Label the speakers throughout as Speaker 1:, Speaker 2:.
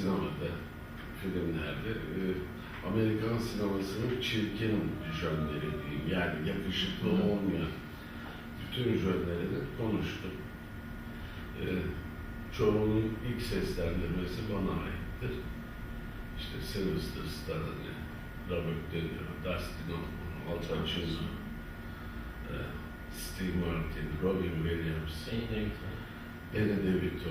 Speaker 1: sinemada, filmlerde Amerikan sinemasının çirkin jönleri diyeyim, yani yakışıklı olmayan bütün jönlerini konuştum. Çoğunun ilk seslendirmesi bana aittir. İşte Sylvester Stallone, Robert De Niro, Dustin Hoffman, Al Pacino, Steve Martin, Robin Williams, Danny DeVito,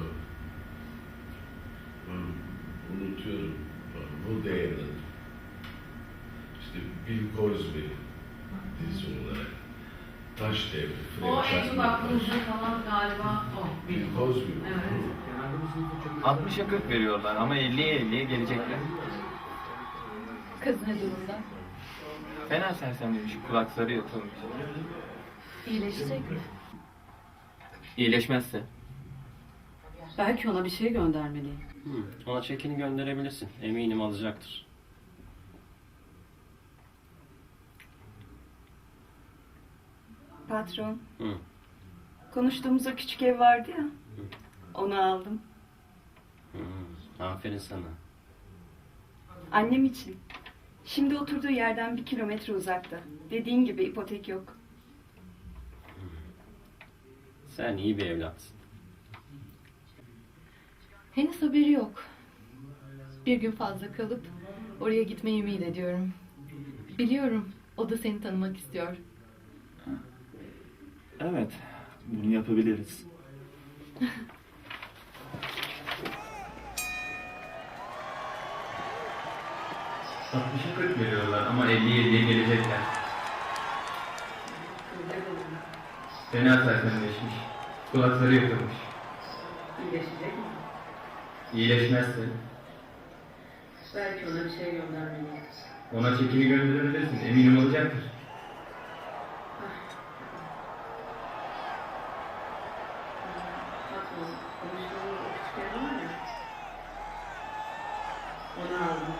Speaker 1: unutuyorum, Woody Allen, işte Bill Cosby dizi olarak, Taş Devri,
Speaker 2: O en çok aklımızda falan galiba o.
Speaker 1: Bill Cosby.
Speaker 2: Evet.
Speaker 3: 60'a 40 veriyorlar ama 50'ye 50'ye gelecekler.
Speaker 4: Kız ne durumda?
Speaker 3: Fena sersemlemiş, kulakları yatılmış.
Speaker 4: İyileşecek mi?
Speaker 3: İyileşmezse?
Speaker 5: Belki ona bir şey göndermeliyim.
Speaker 6: Ona çekini gönderebilirsin. Eminim alacaktır.
Speaker 5: Patron,
Speaker 6: Hı.
Speaker 5: konuştuğumuz o küçük ev vardı ya, onu aldım.
Speaker 6: Aferin sana.
Speaker 5: Annem için. Şimdi oturduğu yerden 1 kilometre uzakta. Dediğin gibi ipotek yok.
Speaker 6: Sen iyi bir evlatsın.
Speaker 4: Henüz haberi yok. Bir gün fazla kalıp oraya gitmeyi ümit ediyorum. Biliyorum o da seni tanımak istiyor.
Speaker 7: Evet, bunu yapabiliriz.
Speaker 3: ...60'a 40 veriyorlar ama 50'ye 50'ye gelecekler. Fena sersemleşmiş, kulakları yatılmış.
Speaker 2: İyileşecek mi?
Speaker 3: İyileşmezse
Speaker 2: Belki ona bir şey göndermeliyim.
Speaker 3: ona çekini gönderebilirsin, eminim olacaktır.
Speaker 2: Patron, konuştuğumuz o küçük ev var ya. Onu aldım.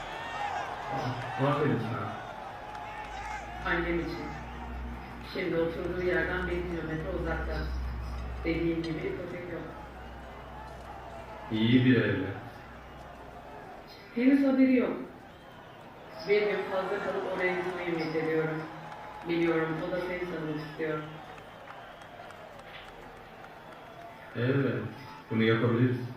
Speaker 3: Aferin sana.
Speaker 2: Annem için. Şimdi oturduğu yerden 1 kilometre uzakta. Dediğim gibi ipotek yok.
Speaker 3: İyi bir evlat.
Speaker 2: Henüz haberi yok. Bir gün fazla kalıp oraya gitmeyi ümit ediyorum. Biliyorum o da seni tanımak istiyor.
Speaker 3: Evet, bunu yapabiliriz.